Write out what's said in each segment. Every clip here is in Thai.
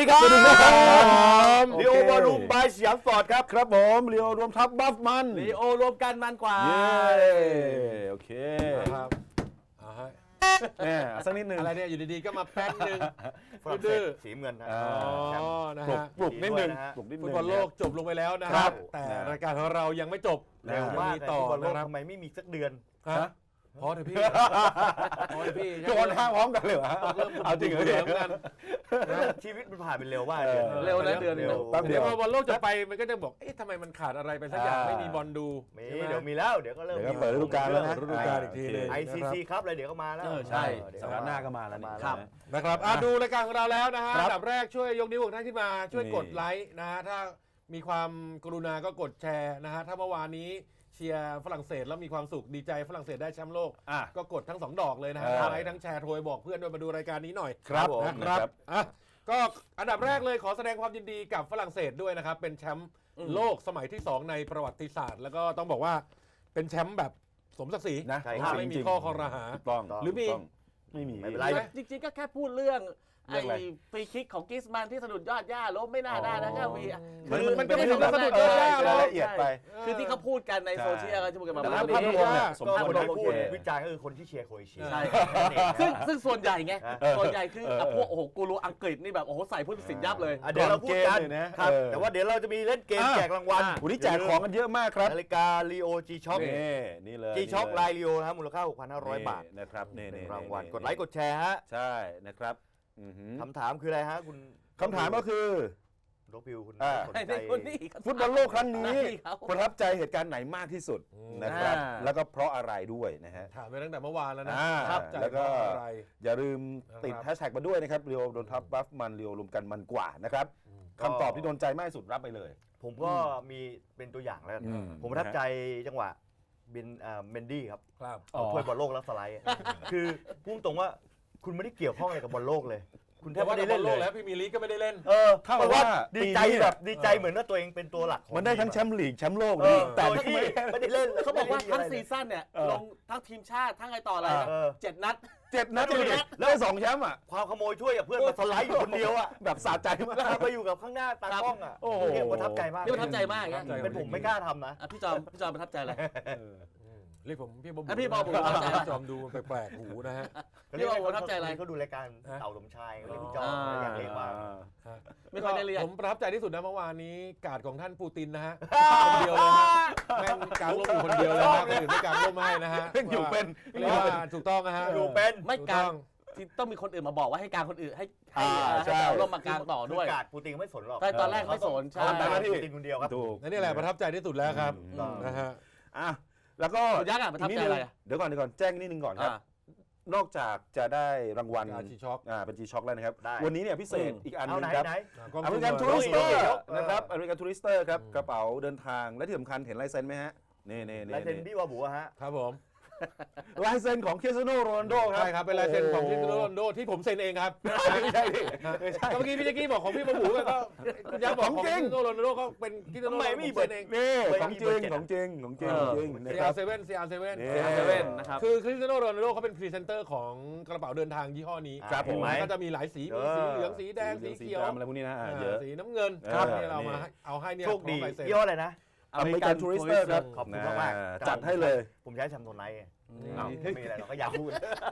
ดีครับสวัสดีครับลีโอวอลลุ่มบายสยามสปอร์ตครับครับผมลีโอรวมทัพบัฟมันลีโอรวมกันมันกว่าเย้โอเคครับฮะแน่สักนิดนึงอะไรเนี่ยอยู่ดีๆก็มาแป๊บนึงฝรั่งเศดื้สอสีเงินนะอ๋อ๋อแชมป์นะปลุกฮะปลุกนิดนึงดีด้วยนะฮะปลุกนิดนึฟุตงบอลโลกจบลงไปแล้วนะคครัรับบแต่นะรายการของเรายังไม่จบเร็วมากมีเลยต่อฟุตบอลโลกนะครับทำไมไม่มีสักเดือนฮะพอเถอะพี่พอเถอะพี่โยนห้างพร้อมกันเลยเหรอเริ่มเอาจริงเหรอเหลืเนี่อย งกันชีวิตมันผ่านไปเร็วมากเร็วนะเดือนเร็วแป๊บเดีเดี๋ยยว วพอบอลโลกจะไปมันก็จะบอกเอ๊ะทำไมมันขาดอะไรไปสักอย่างไม่มีบอลดูมีใช่ไหมเดี๋ยวมีแล้วเดี๋ยวก็เริ่มเดี๋ยวก็เปิดฤดูกาลแล้วนะฤดูกาลอีกทีหนึ่ง ICC ครับเลยเดี๋ยวก็มาแล้วใช่เดี๋ยวสัปดาห์หน้าก็มาแล้วนี่ครับนะครับดูรายการของเราแล้วนะฮะครับอันดับแรกช่วยยกนิ้วของท่านขึ้นมาช่วยนี่กดไลค์นะฮะถ้ามีความกรุณาก็กดแชร์นะฮะถ้าเมื่อวานนี้เชียร์ฝรั่งเศสแล้วมีความสุขดีใจฝรั่งเศสได้แชมป์โลกอ่ะก็กดทั้ง2 ดอกเลยนะฮะ ไลค์ทั้งแชร์โทรบอกเพื่อนด้วยมาดูรายการนี้หน่อยครับผมนะครับอ่ะก็อันดับแรกเลยขอแสดงความยินดีกับฝรั่งเศสด้วยนะครับเป็นแชมป์โลกสมัยที่ 2 ในประวัติศาสตร์ แล้วก็ต้องบอกว่าเป็นแชมป์แบบสมศักดิ์ศรีนะใช่ครับไม่มีข้อคอรหาถูกต้องหรือมีถูกต้องไม่มีไม่เป็นไรจริงๆก็แค่พูดเรื่องเรื่องอะไรฟรีคิกของกิสมันที่สะดุดยอดหญ้าล้มไม่น่าได้นะก็มีมันก็ไม่ถึงกับสะดุดยอดหญ้าหรอกละเอียดไปคือที่เขาพูดกันในโซเชียลก็จะพูดกันมาแต่แบบภาพรวมเนี่ยนี้สมก็ควครนได้ที่พูพูดดวิจารณ์ก็คือคนที่เชียร์โครเอเชียใช่นั่นเองนะซึ่งส่วนใหญ่ไงเออส่วนใหญ่คือพวกโอ้โหกูรูอังกฤษนี่แบบโอ้โหใส่ผู้ตัดสินยับเลยเดี๋ยวเราพูดกันก่อนเกมเลยนะครับแต่ว่าเดี๋ยวเราจะมีเล่นเกมแจกรางวัลวันนี้แจกของกันเยอะมากครับนาฬิกาลีโอจีช็อคนี่เลยจีช็อคลายลีโอนะครับมูลค่า 6,500 บาทนี่นะครับนี่เป็นรางวัลกดไลค์กดแชร์ฮะใช่นะครับอือหือคำถามคืออะไรฮะคุณคำถามก็คือโรบิวคุณอ่าสนไอ้ใจนี่คนนี้ฟุตบอลโลกครั้งนี้เขาประทับใจเหตุการณ์ไหนมากที่สุดนะครับอ่าแล้วก็เพราะอะไรด้วยนะฮะถามไปตั้งแต่เมื่อวานแล้วนะอ่าครับใจแล้วก็เพราะอะไรอย่าลืมติดนะครับแฮชแท็กมาด้วยนะครับเรียวโดนทับบัฟมันเรียวรวมกันมันกว่านะครับคำตอบที่โดนใจมากที่สุดรับไปเลยผมก็มีเป็นตัวอย่างแล้วกันอืมผมประทับใจจังหวะเมนดี้ครับครับอ๋อถ้วยบอลโลกแล้วสไลด์คือพูดตรงว่าคุณไม่ได้เกี่ยวข้องอะไรกับบอลโลกเลย คุณแทแต่บว่าไม่ในได้บอเล่ลนโลเลยกแล้วพรีเมียร์ลีกก็ไม่ได้เล่นเท่ากับว่าดีใจปีนี้แบบดีใจเหมือนว่าตัวเองเป็นตัวหลักของมันได้ทั้งทีแชมป์ลีกแชมป์โลกเอนี่อแต่โดยที่ไม่ได้เล่นเขาบอกว่าทั้งไม่ได้ซีมีะไรเลยซั่นเนี่ยลงทั้งทีมชาติทั้งไงต่ออะไรเออ 7 นัด 7 นัดเลยแล้วได้2แชมป์อ่ะความขโมยถ้วยกับเพื่อนมาสไลด์อยู่คนเดียวอ่ะแบบสะใจมากแล้วมาอยู่กับข้างหน้าตากล้องอ่ะโอ้โหเนี่ยประทับใจมากนี่ประทับใจมากนะเป็นผมไม่กล้าทำนะพี่จอมประทับใจอะไรเรียกผมพี่บอมอ่ะพี่บอมนะประทับใจจอมดูแปลกๆหูนะฮะพี่บอกประทับใจอะไรเขาดูรายการเต่าสมชายเขาเรียกพี่จอมอ่าอยากเรียกว่าไม่ค่อยได้เรียนผมประทับใจที่สุดนะเมื่อวานนี้การ์ดของท่านปูตินนะฮะคนเดียวเลยฮะแม่งกางร่มอยู่คนเดียวเลยนะคนอื่นไม่กางร่มให้นะฮะเพิ่งอยู่เป็นเรียกว่าถูกต้องนะฮะอยู่เป็นไม่ถูกลางต้องที่ต้องมีคนอื่นมาบอกว่าให้กลางคนอื่นให้ใช่เอาลมมากลางต่อด้วยกาดปูติงไม่สนหรอกใช่ตอนแรกไม่สนใช่เขาทำหน้าที่ปูติงคนเดียวครับถูกนั่นนี่แหละประทับใจที่สุดแล้วครับอืมนะฮะอ่ะแล้วก็คุณยักษ์อ่ะประทับใจอะไรอ่ะเดี๋ยวก่อนแจ้งนิดนึงก่อนครับ นอกจากจะได้รางวัลการ์ดช็อคเป็น G-Shock แล้วนะครับได้วันนี้เนี่ยพิเศษอีกอันหเอานึไหนงครับไหนอเมริกันกทูล้ริองสซูเตอมร์นะครับอเมริกันทูริสเตอร์ครับกระเป๋าเดินทางและที่สำคัญเห็นลายเซ็นไหมฮะนี่ลายเซ็นบี้วาบูอะฮะครับผมลายเซ็นของคริสเตียโนโรนัลโดครับใช่ครับเป็นลายเซ็นของคริสเตียโนโรนัลโดที่ผมเซ็นเองครับไม่ใช่ดิไม่ใช่ก็เมื่อกี้พี่แจ๊กกี้บอกของพี่ประหมูก็คุณยักษ์บอกของของจริคริงสเตียโนโรนัลโดก็เป็นคริสเตียโนโรนัลโดผมเซ็นเองนี่ไม่ของมีจเบอริร์งเจ็ดของจริงของจริงเออของจริงนะครับ CR7 นี่ CR7 นะครับคือคริสเตียโนโรนัลโดเขาเป็นพรีเซนเตอร์ของกระเป๋าเดินทางยี่ห้อนี้ครับผมก็จะมีหลายสีมีสีเหลืองสีแดงสีเขียวดำอะไรพวกนี้นะเยอะสีน้ำเงินครับนี่เรามาเอาให้เนี่ยโชคดีของลายเซ็นยี่ห้ออะไรนะอเมริกันทูริสเตอร์ครับขอบคุณมากๆจัดให้เลยผมใช้แชมโทนไนท์ไงอ้าวไม่มีอะไรเราก็อยากพูด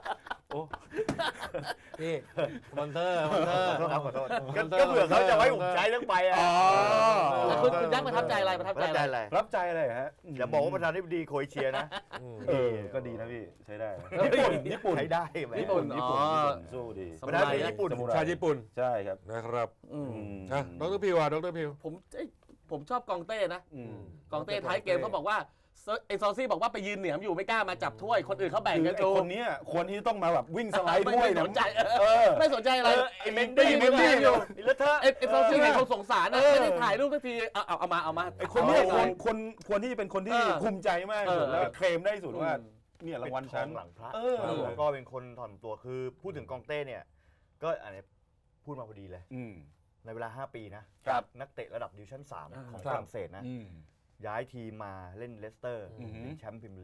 นี่มอนเตอร์มอนเตอร์ขอโทษครับขอโทษก็เผื่อเขาจะไว้ผมใช้เรื่องไปอ่ะแล้วคุณยักษ์ประทับใจอะไรประทับประใจทับใจอะไรอะไรรับใจอะไรฮะอย่าบอกว่าประธานาธิบดีโครเอเชียนะก็ดีนะพี่ใช้ได้ญี่ปุ่นใช้ได้ไหมญี่ปุ่นญี่ปุ่นสู้ดีประธานาธิบดีญี่ปุ่นชาญี่ปุ่นใช่ครับนะครับอืมนะดรพิวอ่ะดรพิวผมชอบกองเต้นะอืมกองเต้ท้ายเกมเขาบอกว่าไอ้ซอซี่บอกว่าไปยืนเหนียมอยู่ไม่กล้ามาจับถ้วยคนอื่นเขาแบ่งคือกันไอ้ดูคนเนี้ยควรที่ต้องมาแบบวิ่งสไลด์ด้วยไม่นะสนใจอไม่สนใจอะไรไอ้เมนดี้ยืนเหนียมอยู่อีเลอะเทอะไอ้ซอซี่เนี่ยเขาสงสารนะไม่ได้ถ่ายรูปสักทีเอามาไอ้คนเนี้ยอาควรที่จะเป็นคนที่ภูมิใจมากที่สุดแล้วเคลมได้ที่สุดว่าเนี่ยรางวัลทฉัอน งหลังพระอแล้วก็เป็นคนถ่อมตัวคือพูดถึงกองเต้เนี่ยก็อันนี้พูดมาพอดีเลย ในเวลา 5 ปีนะครับ นักเตะระดับดิวิชั่น 3 ของฝรั่งเศสนะ ย้ายทีมมาเล่นเลสเตอร์อือหือเป็นแชมป์พรีเมียร์ลีก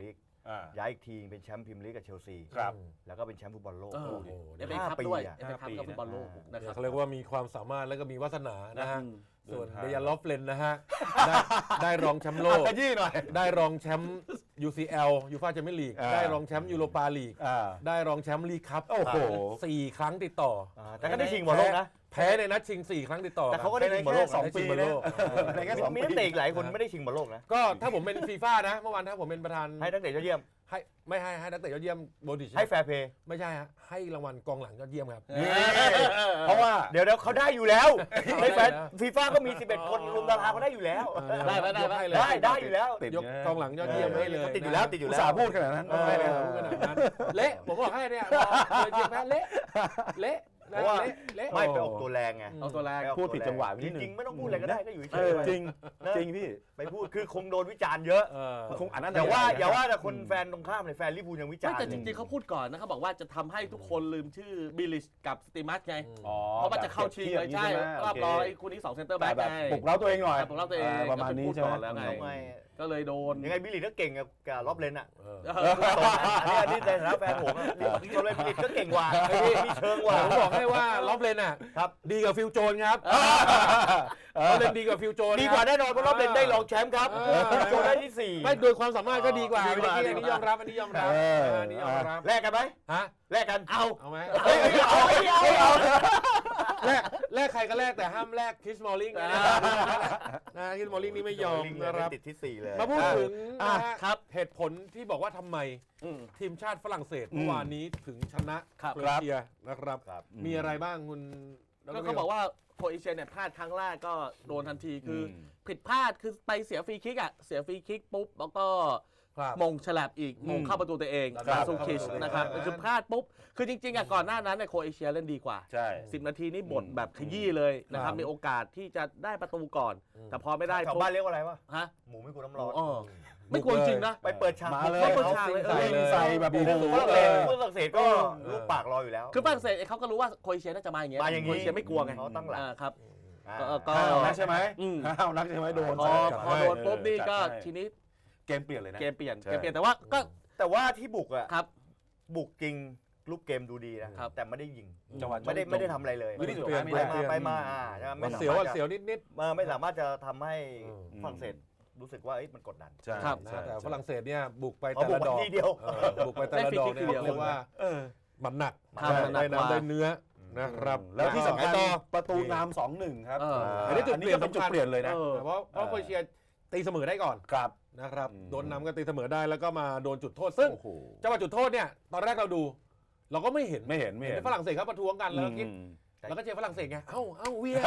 ย้ายอีกทีเป็นแชมป์พรีเมียร์ลีกกับเชลซีครับแล้วก็เป็นแชมป์ฟุตบอลโลกเออโอ้โหเอฟเอคัพด้วย 5 เอฟเอคัพกับฟุตบอลโลกนะครับเขาเรียกว่ามีความสามารถแล้วก็มีวาสนานะฮะอืมส่วนเดินทางเดยันลอฟเลนนะฮะ ได้รองแชมป์โลกขยี้หน่อยได้รองแชมป์ UCL ยูฟ่าแชมเปี้ยนลีก ได้รองแชมป์ยูโรปาลีก ได้รองแชมป์ลีกคัพโอ้โห 4 ครั้งติดต่อแต่ก็ได้ชิงบอลโลกนะแพ้ในนัดชิง 4 ครั้งติดต่อแต่เขาก็ได้ชิงบอลโลกแค่สองนะปีได้ชิงบอลนะโลกในแค่2 มีปีนักเตะอีกหลายคนไม่ได้ชิงบอลโลกนะก็ถ้าผมเป็นฟีฟ่านะ เมื่อวานถ้าผมเป็นประธานให้นักเตะยอดเยี่ยมให้ไม่ให้นักเตะยอดเยี่ยมโบดิชให้แฟร์เพย์ไม่ใช่ฮะให้รางวัลกองหลังยอดเยี่ยมครับเพราะว่าเดี๋ยวเขาได้อยู่แล้วในแฟนได้นะฟีฟ่าก็มี 11 คนรวมดาราเขาได้อยู่แล้วได้ไหมได้ไหมยกให้เลยได้อยู่แล้วติดยกกองหลังยอดเยี่ยมให้เลยติดอยู่แล้วติดอยู่อุตแล้วส่าห์พูดขนาดนั้นไม่ได้พูดขนาดนั้นเละผมบอกให้เนี่ยพอเลยเชียร์แพ้เละเละเพราะว่าเละไม่ไปออกตัวแรงไงเอาตัวแรกไปออกพูดผิดจังหวะจนิดนึงริงๆไม่ต้องพูดอะไรก็ได้ก็อยู่เฉเอย อๆจริงจริงพี่ไปพูดคือคงโดนวิจารณ์เยอะคงอันนั้นอย่าว่าแต่คนแฟนตรงข้ามเลยแฟนลิเวอร์พูลยังวิจารไม่ณ์แต่จริงๆเขาพูดก่อนนะเขาบอกว่าจะทำให้ทุกคนลืมชื่อบิลลิชกับสตีมัสไงอ๋อเพราะว่าจะเข้าชิงเลยใช่รอบรองไอ้คู่นี้2เซนเตอร์แบ็แต่กแบบไงปลุกเร้าตัวเองหน่อยปลุกเร้าตัวเองประมาณนี้ใช่ไหมก็พูดก่อนแล้วไงทำไมก็เลยโดนยังไงบิลลี่ก็เก่งกับรอบเลนอ่ะเอออันนี้ในฐานะแฟนผมอะตัวเลนบิลลี่ก็เก่งกว่ามีเชิงกว่าผมบอกให้ว่าล็อบเลนอ่ะครับดีกว่าฟิลโจนครับล็อบเลนดีกว่าฟิลโจนดีกว่าแน่นอนเพราะรอบเลนได้รองแชมป์ครับโจได้ที่ 4 ไม่โดยความสามารถก็ดีกว่าดีกว่าอันนี้ยอมรับอันนี้ยอมรับอันนี้ยอมรับแลกกันไหมฮะแลกกันเอาเอาไหมเอาแลกใครก็แลกแต่ห้ามแลกคริสมอลลิงนะคริสมอลลิงนี่ไม่ยอมนะครับติดที่ 4 เลยมาพูดถึงนะฮะครับเหตุผลที่บอกว่าทำไมอืมทีมชาติฝรั่งเศสเมื่อวานนี้ถึงชนะครับ โครเอเชียนะครับครับมีอะไรบ้างคุณดรก็เขาบอกว่าโครเอเชียเนี่ยพลาดครั้งแรกก็โดนทันทีคืออผิดพลาดคือไปเสียฟรีคิกอ่ะเสียฟรีคิกปุ๊บแล้วก็ครับมงฉลับอีกมงเข้าประตูตัวเองครับดาซูคิชครับนะครับคือพลาดปุ๊บคือจริงๆอ่ะก่อนหน้านั้นเนี่ยโครเอเชียเล่นดีกว่าใช่ 10 นาทีนี่บดแบบขยี้เลยนะครับครับมีโอกาสที่จะได้ประตูก่อน แต่พอไม่ได้แถวบ้านเรียกว่าอะไรวะฮะหมูไม่กลัวน้ำร้อนอ๋อไม่กลัวจริงนะไปเปิดฉากมาเลยไม่เปิดฉากเลยใส่แบบโอ้โหฝรั่งเศสก็ลูกปากรออยู่แล้วคือฝรั่งเศสเขาก็รู้ว่าโครเอเชียน่าจะมาอย่างเงี้ยมาอย่างงี้โครเอเชียไม่กลัวไงเขาตั้งหลักครับอ่าก็ห้าวนักใช่ไหมอืมห้าวนักใช่ไหมโดนพอโดนปุ๊บนี่ก็ทีนี้เกมเปลี่ยนเลยนะเกมเปลี่ยนใช่เกมเปลี่ยนแต่ว่าก็แต่ว่าที่บุกอ่ะครับบุกจริงลูกเกมดูดีนะครับ แต่ไม่ได้ยิงจังหวะไม่ได้ทำอะไรเลยไม่ได้เปลี่ยนไม่ไปได้มาไปมาใช่ไหมมัไม่นสาเสียวมารอ่ะถเสียวนิดไม่สามารถจะทำให้อืมฝรั่งเศสรู้สึกว่าเอ้ยมันกดดันใช่ครับๆนะใช่แต่ฝรั่งเศสเนี่ยบุกไปเขาแต่บุกละดอกทีเดียวบุกไปแต่ละดอกเนี่ยได้ฟรีคิกทีเดียวเรียกว่าเออมันหนักครับมันหนักได้กว่าน้ำได้เนื้อนะครับแล้วที่สำคัญต่อประตูนำ 2-1 ครับอันนี้จุดอันเปนี้ลี่ยนก็เป็นจุดสำคัญเปลี่ยนเลยนะเพราะโครเอเชียตีเสมอได้ก่อนครับนะครับอืมโดนนำก็ตีเสมอได้แล้วก็มาโดนจุดโทษซึ่งโอ้โหจังหวะจุดโทษเนี่ยตอนแรกเราดู เราก็ไม่เห็นไม่เห็นเห็นฝรั่งเศสเขาประท้วงกันแล้วก็คิดอืมแล้วก็เชียร์ฝรั่งเศสไงเอ้าเวีย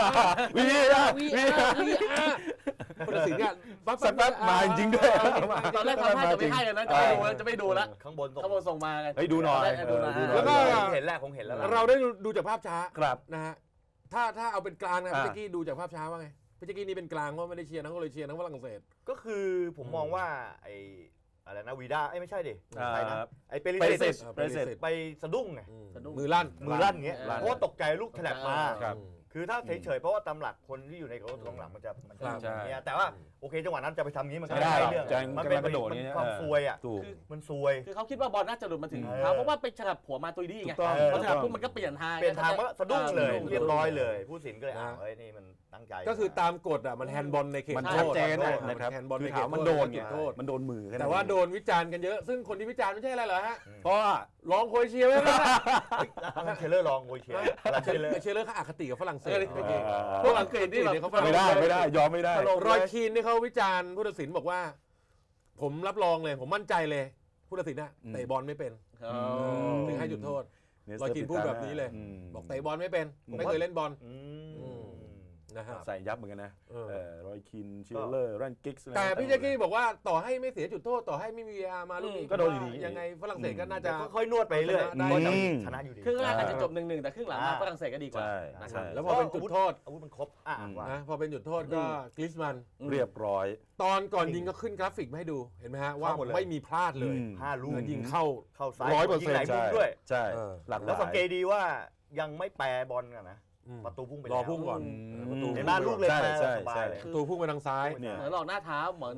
ผู้ตัดสินเนี่ยสักแป๊บมาจริงๆด้วยตอนแรกทำให้จะไม่ให้นะจะไม่ดูแล้วข้างบนส่งข้างบนส่งมาไงเฮ้ยดูหน่อยดูหน่อยแล้วก็คงเห็นแล้วคงเห็นแล้วล่ะเราได้ดูจากภาพช้าครับนะฮะถ้าเอาเป็นกลางนะอ่าพี่แจ๊กกี้ดูจากภาพช้าว่าไงพี่แจ๊กกี้นี่เป็นกลางว่าไม่ได้เชียร์ทั้งโครเอเชียทั้งฝรั่งเศสก็คือผมมองว่าไอ้อะไรนะวีด้าไม่ใช่ดิอ่าใครนะไอ้เปริเปริสิสิตตเปริสิตไปสะดุ้งไงมือลั่นมือลั่นอย่างเงี้ยลั่นเพราะว่าตกใจลูกฉลับมาครับคือถ้าเฉยๆเพราะว่าตามหลักคนที่อยู่ในกองหลังมันจะครับอย่างเงี้ยแต่ว่าโอเคจังหวะนั้นจะไปทำงี้มันก็ไม่ได้ไม่ใช่เรื่องจะมันจะเป็นมากระโดดอย่างเงี้ยความซวยอ่ะถูกมันซวยคือเขาคิดว่าบอลน่าจะหลุดมาถึงเออเขาเพราะว่าไปฉลับหัวมาตุยดี้ไงถูกต้องพอฉลับปุ๊บมันก็เปลี่ยนทางเปลี่ยนทางมันก็สะดุ้งเลยสะดุ้งเรียบร้อยเลยผู้สินก็เลยอ้าวเฮ้ยนี่มันตั้งใจก็คือตามกฎอ่ะมันแฮนด์บอลในเขตมันโทชัดษเจนมันะครับแฮนด์บอลคืในอเขถาตมมันโทโดษนไงจุดโทษมันโดนมือค่แต่ว่าโดนวิจารณ์กันเยอะซึ่งคนที่วิจารณ์ไม่ใช่อะไรเหรอฮะเพราะว่าร้องโครเอเชียไว้แล้วนะแล้วเชลเลอร์ลองโวยเชียร์เชลเลอร์เชลเลอร์เขาอคติกับฝรั่งเศสพวกอังกฤษนี่แบบเขาฝไม่รั่งได้เศสไม่ได้ยอมไม่ได้รอยคีนที่เขาวิจารณ์ผู้ตัดสินบอกว่า ผมรับรองเลย ผมมั่นใจเลยผู้ตัดสินน่ะเตะบอลไม่เป็น ถึงให้จุดโทษ รอยคีนพูดแบบนี้เลย บอกเตะบอลไม่เป็นไม่เคยเล่นบอล นะฮะใส่ยับเหมือนกันนะเออรอยคินชิลเลอร์แรนกิกส์แต่พี่แจ็คกี้บอกว่าต่อให้ไม่เสียจุดโทษต่อให้ไม่มี VR มาลูกนี้ก็โดนอยู่ดียังไงฝรั่งเศสก็น่าจะค่อยๆนวดไปเรื่อยได้ก็จะชนะอยู่ดีครึ่งแรกอาจจะจบ1-1แต่ครึ่งหลังมาฝรั่งเศสก็ดีกว่าใช่นะครับใช่แล้วพอเป็นจุดโทษอาวุธมันครบว่านะพอเป็นจุดโทษก็กริสมันเรียบร้อยตอนก่อนยิงก็ขึ้นกราฟิกมาให้ดูเห็นไหมฮะว่าเข้าหมดเลยไม่มีพลาดเลย 5 ลูกแล้วยิงเข้าเข้าซ้าย 100% ยิงหลายมุมด้วยใช่เออหลักหแล้วลายสังเกตดีว่ายังไม่แปรบอลกันนะอืมประตูพุ่งไปรแล้อวพุ่งก่อนอืมประตูเห็นไหมลูกเลยใช่มาใช่สบายใช่เลยประตูพุ่งไปทางซ้ายเนี่ยเหมือนหลอกหน้าเท้าเหมือนแบบ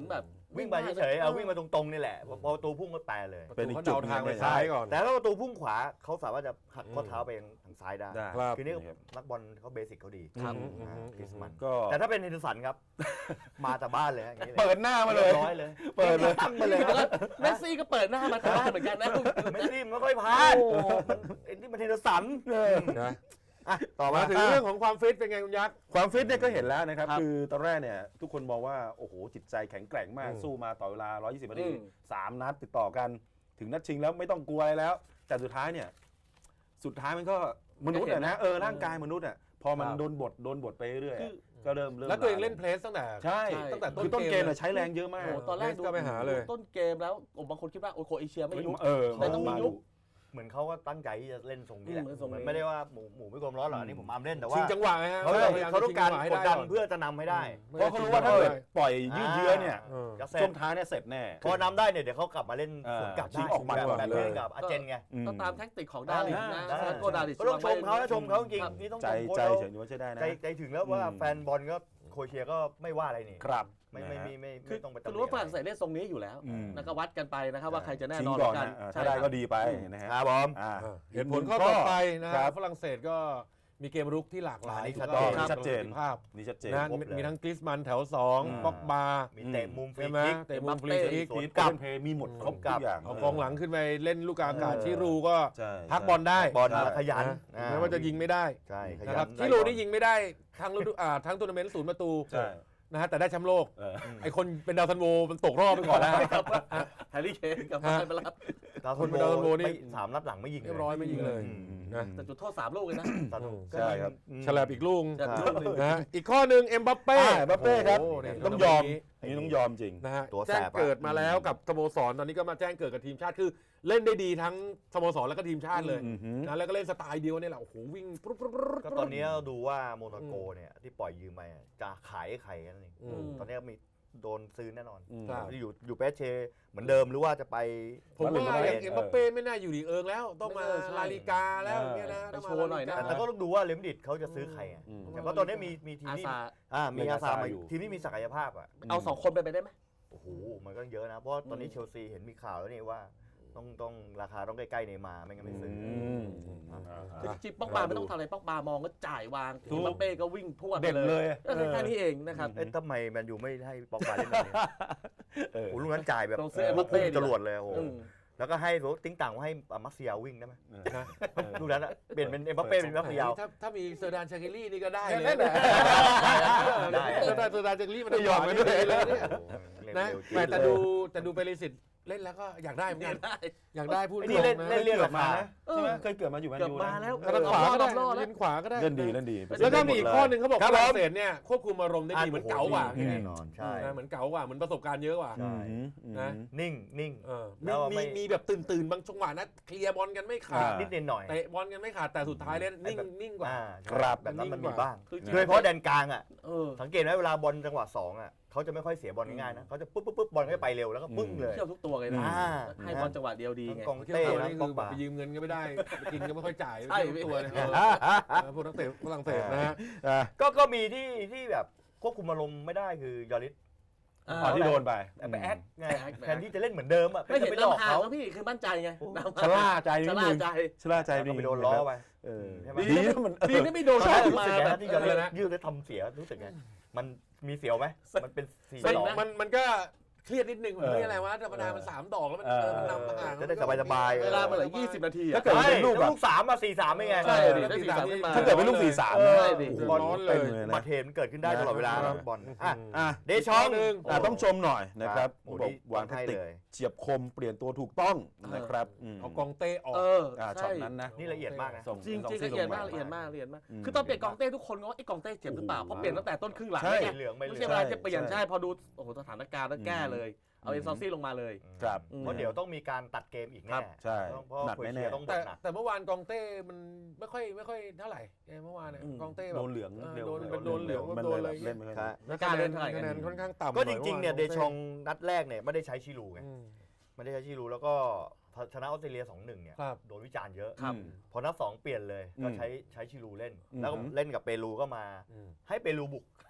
วิ่งไปเฉยๆเอาวิ่งมาตรงๆนี่แหละพอประตูพุ่งก็แปรเลยเป็นอีกจุดทางไปซ้ายก่อนแต่ถ้าประตูพุ่งขวาเขาสามารถจะหักข้อเท้าไปทางซ้ายได้ได้ครับคือนี่นักบอลเขาเบสิกเขาดีครับคริสมันก็แต่ถ้าเป็นเฮนเดอร์สันครับ มาแต่บ้านเลยอย่างนี้เลยเปิดหน้ามาเลยร้อยเลยเปิดเลยตั้งมาเลยแล้วก็เมสซี่ก็เปิดหน้ามาจากบ้านเหมือนกันนะไม่รีบไม่ค่อยพลาดมันไอ้นี่มันเฮนเดอร์สันนะอ่ะต่อมามาถึงเรื่องของความฟิตเป็นไงคุณยักษ์ความฟิตเนี่ยก็เห็นแล้วนะครับครับคือตอนแรกเนี่ยทุกคนมองว่าโอ้โหจิตใจแข็งแกร่งมากอืมสู้มาต่อเวลา 120 นาทีอืม 3 นัดติดต่อกัน ถึงนัดชิงแล้วไม่ต้องกลัวอะไรแล้ว แต่สุดท้ายมันก็มนุษย์อะนะร่างกายมนุษย์อะพอมันโดนบทไปเรื่อยๆอะก็เริ่มแล้วตัวเองเล่นเพลสตั้งแต่ใช่ตั้งแต่คือต้นเกมเลยใช้แรงเยอะมากโอ้โหตอนแรกก็ไปหาเลยต้นเกมแล้วบางคนคิดว่าโอ้โคเอเชียไม่ยุบมันต้องมีมายุดุคเหมือนเขาก็ตั้งใจที่จะเล่นทรงนี้แหละเล่นทรงนี้มันไม่ได้ว่าหมูไม่กลมร้อนหรอกอันนี่ผมอามเล่นแต่ว่าชิงจังหวะไงฮะเขาพยยมเขาต้องการชิกจัดงหวะให้ดันก่เพื่อจะนำให้ได้เพราะเขารู้ว่าถ้าเกิดปล่อยยืดเยื้อเนี่ยเออจะเสร็ช่จวงท้ายเนี่ยเสร็จแน่พอนำได้เนี่ยเดี๋ยวเขากลับมาเล่นสวนกลับชิได้งออกมันแบบเลยเล่นกับอาเจนไงก็ตามแท็กติกของดาริสนะได้ซานโกดาริสก็ต้องชมเขานะชมเขาจริงครับนี่ต้องใจชมโค้ชใจเขาเฉยว่าใช่ได้นะใจถึงแล้วว่าแฟนบอลก็โครเอเชียก็ไม่ว่าอะไรนี่ครับไม่นะฮะคือต้องไปคือรู้ว่าฝรั่งเศสเล่นทรงนี้อยู่แล้วอืมแล้วก็วัดกันไปนะครับว่าใครจะแน่ชิงนอนก่อนกันนะใช่ถ้าได้คก็รับดีไปนะฮะครับผมอ่าเหตุผลข้อต่อไปนะคฮะรับฝรั่งเศสก็มีเกมรุกที่หลากหลายอันนี้ถูกชัดต้องเจนชัดเจนประสิทธิภาพนี่ชัดเจนนะครบเลยมีทั้งกริสมันแถวอืม 2บ็อกบามีเตะมุมฟรีใช่ไหมคิกเตะมุมฟรีคิกสวนกลับเพย์มีหมดครบทุกอย่างเอากองหลังขึ้นไปเล่นลูกอากาศชิรูก็ใช่พักบอลได้บอลใช่ขยันนะแม้ว่าจะยิงไม่ได้ใช่ขยันะครับนชิรูนี่ยิงไม่ได้ทั้งฤดูทั้งทัวร์นาเมนต์0 ประตูใช่นะฮะแต่ได้แชมป์โลกเออไอคนเป็นดาวซันโวมันตกรอบไปก่อนแล้วแฮร์รี่เคนกับไมไปแล้วคนดาวซันโวนี่สามนัดหลังไม่ยิงเรียบร้อยไม่ยิงเลย นะแต่จุดโทษ3 ลูกเลยนะสนุกใช่ครับฉลับอีกลูกแต่ลูกหนึ่งนะฮะอีกข้อหนึ่งเอ็มบัปเป้เบัปเป้ครับโโหเนี่ยต้องยอมนี่ต้องยอมจริงนะฮะตัวแสบแจ้งเกิดมาแล้วกับสโมสรตอนนี้ก็มาแจ้งเกิดกับทีมชาติคือเล่นได้ดีทั้งสโมสรแล้วก็ทีมชาติเลยอือหือนะแล้วก็เล่นสไตล์เดียวเนี่ยแหละโอ้โหวิ่งปุ๊บปุ๊บปุ๊บก็ตอนนี้เราดูว่าโมนาโกเนี่ยที่ปล่อยยืมมาจะขายให้ใครกันนี่อืมตอนนี้มีโดนซื้อแน่นอนอืมครับอยู่เปสเชเหมือนเดิมหรือว่าจะไปผมว่ามาดริดเอ็มบัปเป้ไม่น่าอยู่ดีเอิงแล้ว ต้องมาใช่ลาลิกาแล้วเนี่ยนะไปต้องโชว์หน่อยนะลาลิกาแต่ก็ต้องดูว่าเลมดิดเขาจะซื้อใครอ่ะอืมแต่ว่าตอนนี้มีทีมอาที่ซามีอาซามาอยู่ทีมที่มีศักยภาพอ่ะเอา2 คนไปได้ไหมโอ้โหมันก็เยอะนะ เพราะตอนนี้เชลซีเห็นมีข่าวแล้วนี่ว่าต้องราคาต้องใกล้ๆเนย์มาร์ไม่งั้นไม่ซื้อคือจริงๆป๊อกบาไม่ต้องทำอะไรป๊อกบามองก็จ่ายวางถูกบัปเป้ก็วิ่งพรวดไปเด่นเลยก็แค่นี้เองนะครับเอ๊ะทำไมแมนยูไม่ให้ปอกบาเล่นแบบนี้เออโอ้โหลูกนั้นจ่ายแบบต้องซื้อเอ็มบัปเป้พุ่งจรวดเลยโอ้โหอืมแล้วก็ให้ติ้งต่างให้มักเซียวิ่งได้ไหมนะลูกนั้นอะเปลี่ยนเป็นเอ็มบัปเป้เป็นมักเซียถ้ามีเซอร์ดานชาคิลี่นี่ก็ได้เลยได้ได้เซอร์ดานชาคิลี่มันไม่ยอมกันด้วยเลยเนี่ยโอ้โหเร็วนะเร็วจริงแต่ดูเปริสิตเล่นแล้วก็อยากได้เหมือนกันได้อยากได้พูดไอ้ตนี่รงเล่นนะเล่นเรียกเกิราดมาคานะใช่ไหมเคยเกิดมาอยู่แมนเกือบยูมานะแล้วทางขวาก็ได้รอบๆแล้วเลนขวาก็ได้เล่นดีแล้วก็มีอีกข้อหนึ่งเขาบอกครับฝรั่งเศสเนี่ยควบคุมอารมณ์ได้ดีอ่ะเหมือนเก๋ากว่าโอ้โหแน่นอนใช่เหมือนเก๋ากว่าเหมือนประสบการณ์เยอะกว่าใช่นะนิ่งนิ่งเออแล้วไม่มีแบบตื่นบางจังหวะนะเคลียร์บอลกันไม่ขาดนิดหน่อยเตะบอลกันไม่ขาดแต่สุดท้ายเล่นนิ่งกว่าครับแบบนั้นมันนิ่งกมีว่าบ้างคือโดยเฉพาะแดนกลางอ่ะเออสังเกตไหมเวลาบอลจังหวะ2อ่ะเขาจะไม่ค่อยเสียบอลง่ายๆนะเขาจะปุ๊บบอลก็ไปเร็วแล้วก็ปึ้งเลยเที่ยวทุกตัวเลยนะอ่าให้บอลจังหวะเดียวดีไงกองเที่ยวเต้ตัวนะนี่ปคือ อก แบบบาไปยืมเงินก็ไม่ได้ไปกินก็ไม่ค่อยจ่ายใช่เที่ยวตัวเนี่ยพวกนักเตะฝรั่งเศสนะฮะก็มีที่แบบควบคุมอารมณ์ไม่ได้คือยอริสอ๋อที่โดนไปไปแอคไงแอคแทนที่จะเล่นเหมือนเดิมอ่ะไม่เห็นไปหลอกลำห่างเขาแล้วพี่คือมั่นใจไงชะล่าใจนิชะดล่านึงใจชะล่าใจก็นิดไปนึงโดนล้อไปเออใช่ไหมดีนะมันดีนะไม่โดนตอนช็อแรตกรู้มาสึกไงแบนะบที่ยอริสยืดแล้วทำเสียรู้สึกไงมันมีเสียวไหมมันเป็นสี่เซ็งดอกนะมันก็เครียดนิดนึงมันไม่อะไรวะธรรมดามัน3 ดอกแล้วมันมันนำห่างจะได้สบายๆเวลามันเหลือ20 นาทีถ้าอะเกิดเป็นลูกแบบลูก3มา4-3ไม่ไงใช่ได้สี่สามขึ้นมาถ้าเกิดเป็นลูก4-3 เอนะอโอ้โหบอลร้อนเลยต็มนะบัตรเหตุมันเกิดขึ้นได้ตลอดเวลานะบอลอ่ะอ่ะเดชองหนึ่งต้องชมหน่อยนะครับโอ้บอกนี่วางแทคติกให้เลยเฉียบคมเปลี่ยนตัวถูกต้องนะครับเอากองเต้ออกเออช็อใช่ตนั้นนะนี่ละเอียดมากนะส่งจริงจริงส่ละเอียดมากลงละเอียดมากละเอียดมากอืมคือตอนเปลี่ยนกองเต้ทุกคนก็ว่าไอ้กองเต้เจ็บหรือเปล่าเพราะเปลี่ยนตั้งแต่ต้นครึ่งหลังใช่ไงเหลืองไม่เหลืไม่องใช่เวลาจะเปลี่ยนใช่ใช่พอดูโอ้โหสถานการณ์แล้วแก้เลย เอาเอ็นซอซี่ลงมาเลยครับเพราะเดี๋ยวต้องมีการตัดเกมอีกครัแน่บใช่เพราะหนักโครเอแน่เชียต้องบแต่ทหนักแต่เมื่อวานกองเต้มันไม่ค่อยเท่าไหร่เมื่อวานเนี่ยอืมกองเต้ๆแบบโดนเหลืองเร็วโดนเหลืองมันโดเลนยอะไรแบบเล่นไม่ค่อยครัดีบไม่กล้าเล่นเท่าไหร่คะแนนค่อนข้างต่ำก็จริงๆเนี่ยหเดอชองนัดแรกเนี่ยไม่ได้ใช้ชิลูไงอืมไม่ได้ใช้ชิลูแล้วก็ชนะออสเตรเลีย 2-1 เนี่ยครับโดนวิจารณ์เยอะครับพอนัด2เปลี่ยนเลยก็ใช้ชิลูเล่น แล้วก็อืมเล่นกับเปรูก็มาอืมให้เปรูบุก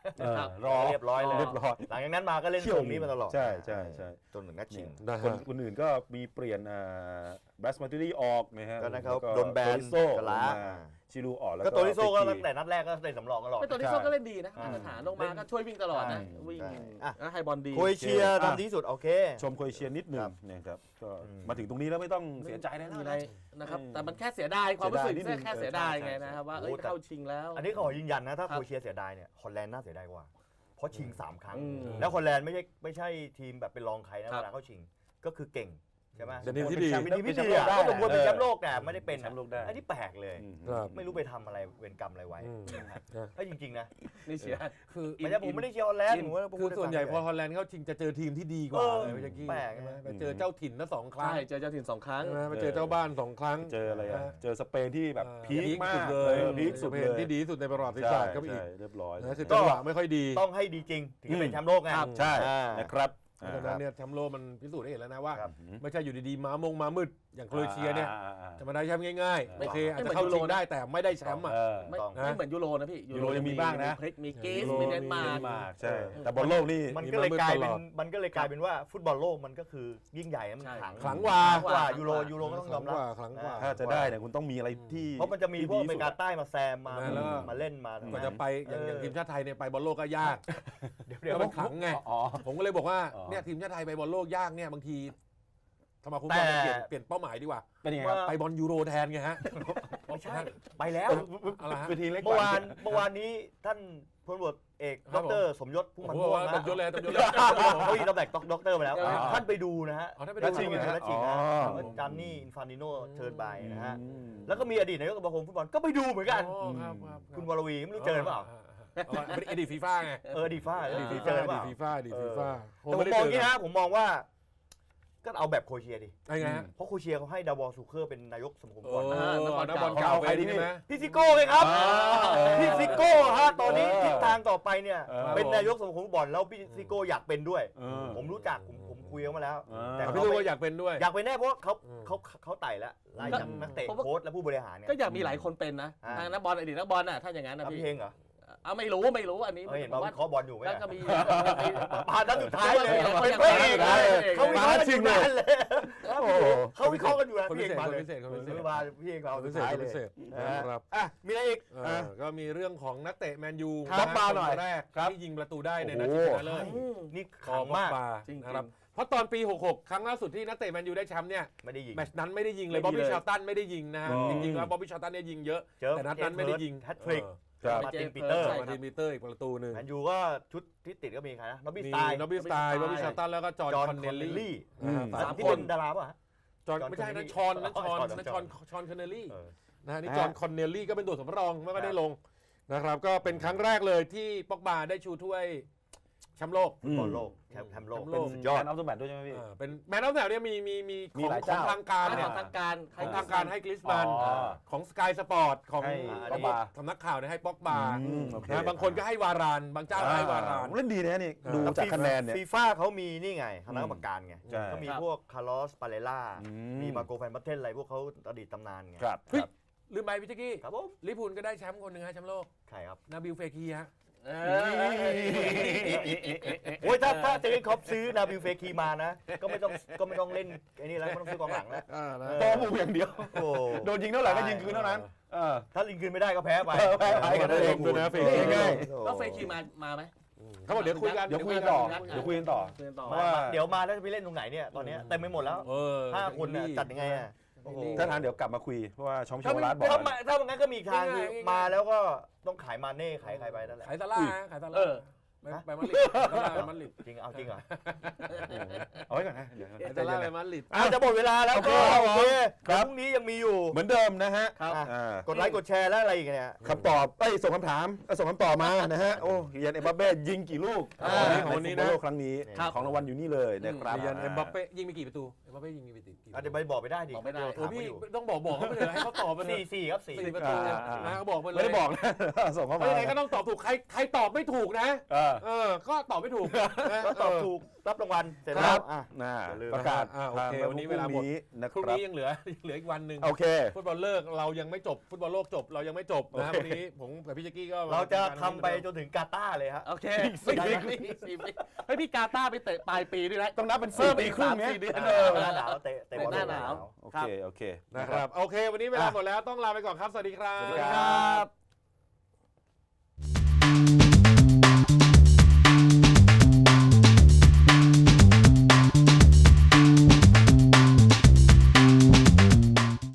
ครับรอเรียบร้อยเลยเรียบร้อยหลังจากนั้นมาก็เล่นทรงนี้มาตลอดใช่ใช่ใช่จนถึงนัดชิงนะคนฮะคนอื่นก็มีเปลี่ยนบรัสมาตูรี่ออกนะฮะก็นะครับแล้วโดนแบนโตริโซกะลาชิลูออกแล้วก็โตริโซ่ก็เปตั้งแต่นัดแรกก็เล่นสำรองตลอดเป็นตัวที่โซ่ก็เล่นดีนะอ่ามาตรฐานลงมาก็ช่วยวิ่งตลอดนะใช่วิ่งใช่อ่ะแล้วให้บอลดีโครเอเชียทำดีที่สุดโอเคชมโครเอเชียนิดหนึ่ครังบนะครับก็อืมมาถึงตรงนี้แล้วไม่ต้องเสียใจได้แล้วมีอะไรนะนะครับเออแต่มันแค่เสียดายความรู้สึกเสียดายนิดนึงแค่เสียดายไงใช่นะครับว่าโอ้เอ้ยแต่เข้าชิงแล้วอันนี้ขอยืนยันนะถ้าครับโครเอเชียเสียดายเนี่ยฮอลแลนด์น่าเสียดายกว่า เพราะชิง 3 ครั้งอืมแล้วฮอลแลนด์ไม่ใช่ทีมแบบเป็นรองใครนะครัเวบลาเข้าชิงก็คือเก่งใช่ไหมเป็นทีมที่ดีเป็นทีมที่ดีเป็นแชมป์โลกได้ก็สมควรเป็นแชมป์โลกแต่ไม่ได้เป็นแชมป์โลกได้อันนี้แปลกเลยอืมครับไม่รู้ไปทำอะไรเวรกรรมอะไรไว้อืมเอ้ยจริงๆนะนี่เสียดายคือไม่ใช่ผมไม่ได้เชียร์ฮอลแลนด์ผมว่าผมคือพูดส่วนใหญ่พอให้ฮฟัอง ลแลนด์เข้าชิงจะเจอทีมที่ดีกว่าเออเลยเมื่อกี้แปลกใช่ไหมนะไปเจอเจ้าถิ่นละสองครั้งใช่เจอเจ้าถิ่น2 ครั้งใช่ไหมไปเจอเจ้าบ้านสองครั้งเจออะไรอ่ะนะเจอสเปนที่แบบพีคมากสุดเลยพีคสุดสเปเลนยที่ดีที่สุดในประวัติศาสตร์ก็อีกใช่เรียบร้อยนะคือจังหวะไม่ค่อยดีต้องให้ดีจริง ถึงจะเป็นแชมป์โลกไงครับใช่อ่านะครับเพราะฉะนั้นเนี่ยแชมป์โลกมันพิสูจน์ให้เห็นแล้วนะว่าครับไม่ใช่อยู่ดีๆม้ามืดอย่างโครเอเชียเนี่ยอ่าจะมาได้แชมป์ง่ายๆไม่โอเคอาจไม่จะเหมือนเข้ายูโรชิงได้แต่ไม่ได้แชมป์อ่ะเออไม่ต้องไม่เหมือนยูโรนะพี่ยูโรยังมีบ้างนะมีกรีซมีกรีซยูโรมีเดนมาร์กมากใช่ แต่บอลโลกนี่มันก็เลยกลายเป็นตลอดมันก็เลยกลายเป็นว่าฟุตบอลโลกมันก็คือยิ่งใหญ่มันใช่ขลังขลังกว่ากว่ายูโรก็ต้องยอมรับขลังกว่าถ้าจะได้เนี่ยคุณต้องมีอะไรที่เพราะมันจะมีพวกอเมริกาใต้มาแซมมาแล้วก็มาเล่นมากว่าจะไปอย่างทีมชาติไทยเนี่ยไปบอลโลกก็ยากเดี๋ยวแล้วมันขลังไงอ๋อผมก็เลยบอกว่าอ๋อเนี่ยทีมชาติไทยไปบอลโลกยากเนี่ยบางทีสมาคมแต่บอลเปลี่ยนเป้าหมายดีกว่าเป็นยังไงครับไปบอลยูโรแทนไงฮะไม่ใช่ไปแล้วอะไรฮะเวทีเล็กเมื่อวานนี้ท่านพลตำรวจเอกครัดบผมรสมยศพุ่มพันโอ้ธ์โหม่วงนะตบยศเลยตบยศเลยเขาอีกตำแหน่งด็อกเตอร์ไปแล้วอ๋อท่านไปดูนะฮะอ๋อท่านไปดูแล้วชิงเหรอแล้วชิงนะอ๋อแล้วจานนี่อินฟานติโนเชิญไปนะฮะอืมแล้วก็มีอดีตนายกสมาคมฟุตบอลก็ไปดูเหมือนกันอ๋อครับรับคุณวรวีไม่รู้เจอหรือเปล่าเป็นอดีตฟีฟ่าไงดีฟ้าอดีตฟีเจฟ่าอหรือเปล่าฟีฟ่าอดีตฟีฟ่าแต่ผมมองอย่างนี้นะผมมองว่า ก็เอาแบบโครเอเชียดิไอ้ไงฮะเพราะโครเอเชียเขาให้ดาวอลซูเคอร์เป็นนายกสมาคมโอ้ฟุตบอลนักบอลเก่าไปใช่ไหมพี่ซิโก้เลยครับอ่าพี่ซิโก้ฮะตอนนี้เออทิศทางต่อไปเนี่ยเออเป็นนายกสมาคมฟุตบอลแล้วพี่ซิโก้อยากเป็นด้วยเออผมรู้จักผมคุยกันมาแล้ว แต่พี่เขาลูกไม่ก็อยากเป็นด้วยอยากเป็นแน่เพราะว่าเขาอืมเขาไต่แล้วไล่จากนักเตะผมว่าโค้ชและผู้บริหารเนี่ยก็อยากมีหลายคนเป็นนะอ่าทางนักบอลอดีตนักบอลน่ะถ้าอย่างนั้นนะเอาพี่พี่เฮงเหรอเอาไม่รู้อันนี้เห็นผว่ามว่าวิเคราะห์บอลอยู่ไหมแล้วก็มีผ่านนัดสุดท้ายเลยเขาเป็นยังพระเอกได้เลยเลยเขาวิเคราะห์กันอยู่นานเลยโอ้โหเขาวิเคราะห์กันอยู่นะคนพี่พิเอกเศษมาคนเลยพิเศษคนพิเศษมาพี่เอกเราคนสุพิดเศษท้ายคนเลยพิเศษนะฮะนะครับอ่ะมีอะไรอีกก็มีเรื่องของนักเตะแมนยูครับมาหน่อยคนแรกครับที่ยิงประตูได้ในนัดโอ้ชิโหงชนะเลิศอืมนี่คขัองมากปาจริงๆนะครับเพราะตอนปี 66 ครั้งล่าสุดที่นักเตะแมนยูได้แชมป์เนี่ยไม่ได้ยิงแมตช์นั้นไม่ได้ยิงเลยไม่บ๊อบดีบี้เลยชาร์ตันไม่ได้ยิงนะฮะอืมจริงๆแล้วบ๊อบบี้ชาร์ตันเนี่ยยิงเยอะเจอแต่นัดนั้นไม่ได้ยิงแฮตทริกครับมาร์ตินปีเตอร์ใช่มาร์ตินปีเตอร์อีกประตูหนึ่งแมนยูก็ชุดที่ติดก็มีใครนะนอบบี้มีสไตล์นอบบี้สไตล์บ๊อบบี้ชาร์ตันแล้วก็จอห์นคอนเนลลี่อืมนะฮะสาม 3 ที่คเป็น นดาราป่ะฮะจอห์นจอห์นไม่ใช่คอนเนลลี่นะชอนนะอ๋อชอนคอนเนลลี่เออนะฮะนี่จอห์นคอนเนลลี่ก็เป็นตัวสำรองไม่ก็ได้ลงนะครับก็เป็นครั้งแรกเลยที่ป็อกบาได้ชูถ้วยแชมป์โลกฟุตบอลโลกแชมป์โลกแชมป์เป็โลนกสุดยยออดดอัลเทอร์แมตด้วยใช่ไหมพี่เป็นแมนออฟเดอะเนี่ยมีหลายของเจ้าทางการขเนี่ยองทางการของทางการให้กลิสมันอ๋อของสกายสปอร์ตของให้ป๊อกบาสำนักข่าวเนี่ยให้ป๊อกบาอืมโอเคนะบางคนก็ให้วารานบางเจ้าก็ให้วารานเล่นดีนะนี่ดูแล้วจากคะแนนเนี่ยฟีฟ่าเขามีนี่ไงคณะกรรมการไงใช่ก็มีครับพวกคาร์ลอสปาเลล่าอืมมีมาโกแฟนบัตเทนอะไรพวกเขาอดีตตำนานไงครับเฮ้ยลืมไปพี่แจ๊กกี้ครับผมลิพูลก็ได้แชมป์คนหนึ่งฮะแชมป์โลกใครครับนาบิลเฟคีฮะเออโอ้ยถ้าเจอร์เก้นคล็อปซื้อนาบิลเฟคีมานะ ก็ไม่ต้องเล่นไอ้นี่แล้วไม่ต้องซื้อกองหลังแล้วบอลหมู่อย่างเดียวโอ้โดนยิงเท่าไหร่ก็ยิงคืนเท่านั้นถ้าลิงคืนไม่ได้ก็แพ้ไปแพ้ไปกันได้ลงด้วยนะเฟคีง่ายแล้วเฟย์คีมาไหมเขาบอกเดี๋ยวคุยกันเดี๋ยวคุยกันต่อเดี๋เดี๋ยยว วคุยกันต่อคุยกันต่อเพราะว่าเดี๋ยวมาแล้วจะไปเล่นตรงไหนเนี่ยตอนเนี้ยเต็มไปหมดแล้วเออ 5 คนน่ะจัดยังไงอ่ะโอ้โหถ้าทานเดี๋ยวกลับมาคุยเพราะว่าชอมโชว์ร้านบอกถ้ามันงั้นก็มีอีกทางคือมาแล้วก็ต้องขายมาเน่ขายใครไปนั่นแหละขายซาร่าฮะขายซาเอร่าอไปมาดริดซาร่าไปมาดริดจริงเอาจริงเหรอเอาไว้ก่อนนะเดี๋ยวขายซาร่าไปมาดริดจะหมดเวลาแล้วก็โอเคพรุ่งนี้ยังมีอยู่เหมือนเดิมนะฮะครับอ่ากดไลค์กดแชร์แล้วอะไรอีกเนี่ยคำตอบส่งคำถามส่งคำตอบมานะฮะโอ้เรียนเอ็มบัปเป้ยิงกี่ลูกของวันนี้นะใฟุตบอลโลกครั้งนี้ครับของรางวัลอยู่นี่เลยนะครับเรียนเอ็มบัปเป้ยิงไปกี่ประตูเอ็มบัปเป้ยิงไปกี่เดี๋ยวไปบอกไปได้ดิบอกไม่ได้โอ้พี่ต้องบอกเขาไปเลยให้เขาตอบไปเลยสี่ครับสี่ 4 ประตูนะเขาบอกไปเลยไม่ได้บอกนะ ส่งเข้ามาไม่ยังไงก็ต้องตอบถูกใครตอบไม่ถูกนะอ่าก็ตอบไม่ถูกนะก็ตอบถูกรับรางวัลเสร็จคแล้รัวบอ่ะน่าอย่าลืมประกาศโอเคทางวันนี้เวลาหมดนะพรุ่งครับนี้ยังเหลืออีกวันหนึ่งโอเคฟุตบอลเลิกเรายังไม่จบฟุตบอลโลกจบเรายังไม่จบนะโอเควันนี้ผมกับพี่แจ๊กกี้ก็เราจะทำไปจนถึงกาตาร์เลยฮะโอเคสี่ปีสี่ปีเฮ้ยพี่กาตาร์ไปเตะปลายปีด้วยนะต้องนับเป็นเพิ่ม 4 ปีอีกครึ่ง 3-4 เนี่ยเดือนหน้าหนาวเตะบอลหน้าหนาวโอเค โอเคนะครับโอเค วันนี้เวลาหมดแล้วต้องลาไปก่อนครับสวัสดีครับสวัสดีครับ